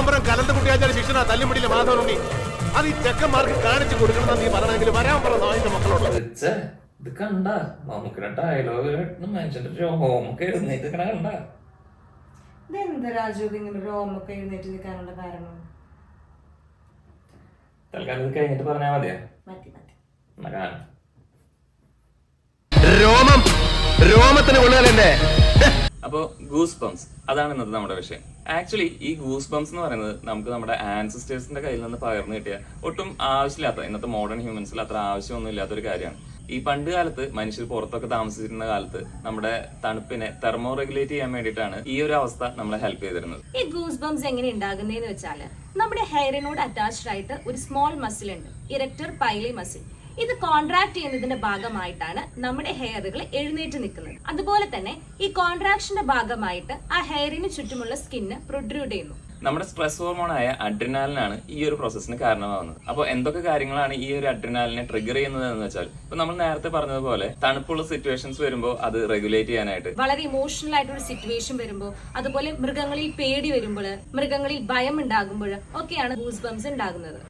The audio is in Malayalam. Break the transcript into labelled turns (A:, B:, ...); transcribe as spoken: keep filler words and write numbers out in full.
A: പീതാംബരം കലന്ത് കുട്ടിയാച്ചാൽ ശിക്ഷണ തല്ലുമുടിയിലെ മാധവനുണ്ണി അത് ഈ ചെക്കന്മാർക്ക് കാണിച്ചു കൊടുക്കണം നീ പറയണമെങ്കിൽ വരാൻ പറ നായിന്റെ മക്കളോട്.
B: ഇത് കണ്ട നമുക്കിടെ ഡയലോഗ് മനുഷ്യന്റെ രോമൊക്കെ എഴുന്നേറ്റ് കണ്ട.
C: ഇതെന്താ രാജു ഇങ്ങനെ രോമൊക്കെ എഴുന്നേറ്റ് നിൽക്കാനുള്ള കാരണം?
B: തൽക്കാലം ഇത് കഴിഞ്ഞിട്ട് പറഞ്ഞാൽ മതിയാ.
C: മതി മതി.
A: രോമം രോമത്തിന് കൊള്ളുകയല്ലേ.
B: അപ്പോ ഗൂസ് ബംസ് അതാണ് ഇന്നത്തെ നമ്മുടെ വിഷയം. ആക്ച്വലി ഈ ഗൂസ് ബംസ് എന്ന് പറയുന്നത് നമുക്ക് നമ്മുടെ ആൻസിസ്റ്റേഴ്സിന്റെ കയ്യിൽ നിന്ന് പകർന്നു കിട്ടിയ ഒട്ടും ആവശ്യമില്ലാത്ത ഇന്നത്തെ മോഡേൺ ഹ്യൂമൻസിൽ അത്ര ആവശ്യമൊന്നും ഇല്ലാത്തൊരു കാര്യമാണ്. ഈ പണ്ട് കാലത്ത് മനുഷ്യർ പുറത്തൊക്കെ താമസിച്ചിരുന്ന കാലത്ത് നമ്മുടെ തണുപ്പിനെ തെർമോ റെഗുലേറ്റ് ചെയ്യാൻ വേണ്ടിയിട്ടാണ് ഈ ഒരു അവസ്ഥ നമ്മളെ ഹെൽപ്പ് ചെയ്തിരുന്നത്.
D: ഈ ഗൂസ് ബംസ് എങ്ങനെ ഉണ്ടാകുന്നതെന്ന് വെച്ചാല് നമ്മുടെ ഹെയറിനോട് അറ്റാച്ച്ഡ് ആയിട്ട് ഒരു സ്മോൾ മസിൽ ഉണ്ട്, ഇറക്ടർ പൈലി മസിൽ. ഇത് കോൺട്രാക്ട് ചെയ്യുന്നതിന്റെ ഭാഗമായിട്ടാണ് നമ്മുടെ ഹെയറുകൾ എഴുന്നേറ്റ് നിൽക്കുന്നത്. അതുപോലെ തന്നെ ഈ കോൺട്രാക്ഷന്റെ ഭാഗമായിട്ട് ആ ഹെയറിന് ചുറ്റുമുള്ള സ്കിന്ന് പ്രൊഡ്യൂട്ട് ചെയ്യുന്നു.
B: നമ്മുടെ സ്ട്രെസ് ഹോർമോണായ അഡ്രിനാലിനാണ് ഈ ഒരു പ്രോസസ്സിന് കാരണമാവുന്നത്. അപ്പോൾ എന്തൊക്കെ കാര്യങ്ങളാണ് ഈ ഒരു അഡ്രിനാലിനെ ട്രിഗർ ചെയ്യുന്നത് എന്ന് വെച്ചാൽ, ഇപ്പൊ നമ്മൾ നേരത്തെ പറഞ്ഞതുപോലെ തണുപ്പുള്ള സിറ്റുവേഷൻസ് വരുമ്പോൾ അത് റെഗുലേറ്റ് ചെയ്യാനായിട്ട്,
D: വളരെ ഇമോഷണൽ ആയിട്ടൊരു സിറ്റുവേഷൻ വരുമ്പോൾ, അതുപോലെ മൃഗങ്ങളിൽ പേടി വരുമ്പോൾ, മൃഗങ്ങളിൽ ഭയം ഉണ്ടാകുമ്പോൾ ഒക്കെയാണ് ഗൂസ് ബംസ് ഉണ്ടാകുന്നത്.